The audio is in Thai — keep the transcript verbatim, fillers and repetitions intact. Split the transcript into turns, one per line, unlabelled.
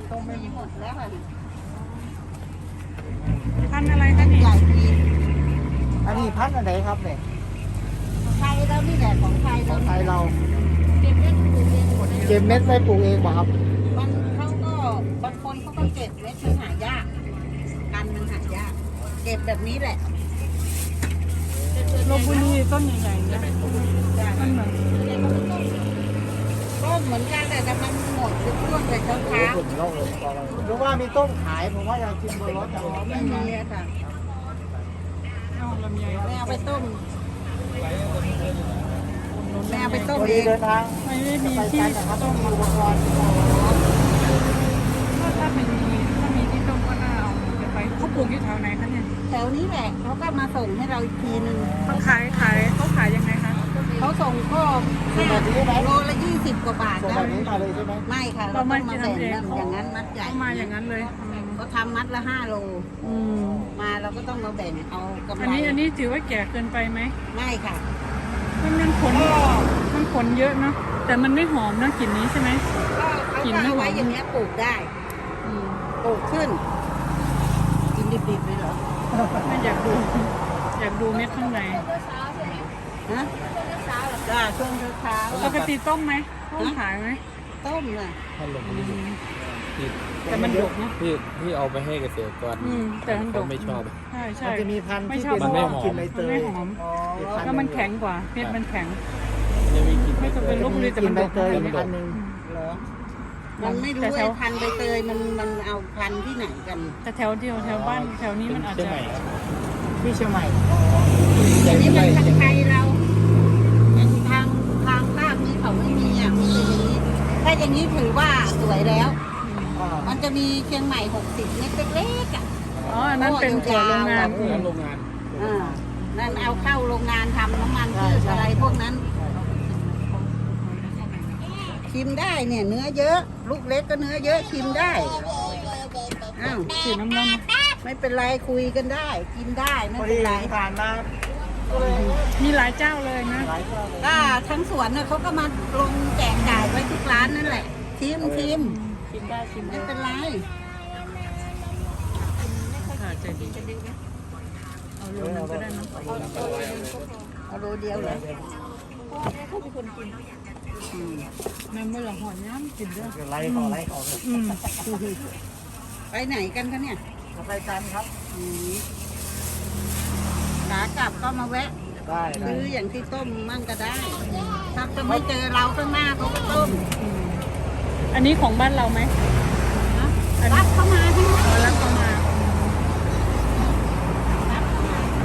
ต้มไม่หมดแล้วค่ะ
พันธุ์อะไรคะนี่
ใหญ่ดี
อันนี้พันธุ์อะไรครับเนี่ย
ไทยเรานี่แหละของไทย
ข
เรา
องไทยเรา
เก็บเม็ดปลูกเองหมดเลย
เก็บเม็ดไว้ปลูกเองป่ะครับ
มันเขาก็บางคนเขาก็เก็บเม็ดมันหายากกันมันหายากเก็บแบบนี้แหละ
โลบุรีต้นใหญ่ๆเนี่ยมันเหมือน
ก็เหมือนกันแต่มันหมดทุกช่วงเลยเช้าเช้า
ผมเล่าเลยหรือว่ามีต้มขายผมว่าอยากกินบนรถแต่ว่า
ไม่มีอะค่ะ
เอาลำไย
ไม่เอาไปต้มไม่เอาไปต้ม
วัน
เอ
นี้
ง
เดินทาง
ไม่ได้มี
ไป
ที่
กันนะครับ
ต้
ต้อง
ม
มีอุปกรณ์
ถ้าถ้าเป็นมีถ้ามีที่ต้มก็น่าเอาจะไปเขาปลูกอยู่แถวไหนคะเนี่ย
แถวนี้แหละเขาก็มาส่งให้เราอีกทีนึง
เขาขายขายเขาขายยังไงคะ
เขาส่งก็แค่โลละยี่สิบกว่าบาท
ส่ง
แล้
แบ
ว
บนี้มาเลยใช่ไหม
ไม่ค่ะเราต้องมาแบ่งกันอย่างนั้นมัดใหญ่
เขามาอย่างนั้นเลยอืม
เขาทำมัดละห้าโล
อืม
มาเราก็ต้องมาแบ่งเอากำไร
อันนี้อันนี้ถือว่าแก่เกินไปไหม
ไม่ค่ะ
มันมันขนมันขนเยอะเนาะแต่มันไม่หอมนะกลิ่นนี้ใช่ไหม
ก็เขาก็เอาไว้อย่างเงี้ยปลูกได้
อืม
ปลูกขึ้น กินดิบๆเลยเหรอ
ไม่อยากดู อยากดูเม็ดข้างใน
ฮะจ้าช่วงเช้า
ปกติต้มไหมต้มขายไหม
ๆต้มน่ะ
ท่านลงไม่ได้ที่
แต่มันดกนะ
ที่ที่เอาไปให้เกษตรกร
อืมแต่มันด
เขา
ก
ไม่ชอบ
ใช่ใช่
มันจะมีพันธุ์
ไม่
ที่
ชอบ
เป็น
มันไม่หอม
กลิ่นใบเต
มัน
ย
ไม่หอม
อ๋ออีกพันธุ์
แล้วมันแข็งกว่าเม็ดมันแข็ง
จะมีกลิ่น
ไม่ต้องเป็น ลพบุรีแต่มัน
ใบ
ดก
เตย
นะ
อีกพันธุ์หนึ่ง
เหรอมันไม่รู้
แต่แถ
ไอ้
ว
พันธุ์ใบเตยมันมันเอาพันธุ์ที่ไหนกัน
แต่แถวเดียวแถวบ้านแถวนี้มันอาจ
เชียง
จะ
ใหม่ครับ
ที่เชียงใหม่
อันนี้มันทางไทยเราอย่างทางทางภาคนี้เขาไม่มีอ่ะมันเป็นอย่างนี้ ถ้าอย่างนี้ถือว่าสวยแล้ว
อ่า
มันจะมีเชียงใหม่หกสิบเม็ดเล็กๆอ่ะ
อ๋ออันนั้นเป็นถั่วโรงงานอืม
ร้านโรงงาน
อ่านั่นเอาเข้าโรงงานทำน้ำมันพืชอะไรพวกนั้น ชิมได้เนี่ย เนื้อเยอะ ลูกเล็กก็เนื้อเยอะชิมได้อ้าว
สีน้ำน้ำ
ไม่เป็นไรคุยกันได้ กินได้ไม่
พอ
เป็
ดี
นไร
ผ่านมาก็เลย
มีหลายเจ้าเลยนะ
หลายเจ้าเลย
ก็ทั้งสวนน่ะเขาก็มาลงแจกจ่ายไว้ทุกร้านนั่นแหละ ชิมชิม
ชิมได้ชิม
ไม่
ได้
เป็นไร
ค่ะใจดีเอาโลนึงก็ได้นะ
เอาโลเดียวเลยอืม
แม่เมื่อหลังหอยน้ำกินด้วย
เดี๋ยวไล่ต่อไล่ต่อเลย
อืม
ไปไหนกันคะเนี่ย
จะไปกันครับ
อืมขากลับก็มาแวะ
ได้ได้
ซื้ออย่างที่ต้มมั่งก็ได้ ถ้าจะไม่เจอเราข้างหน้าเขาก็ต้ม
อันนี้ของบ้านเราไหม
ข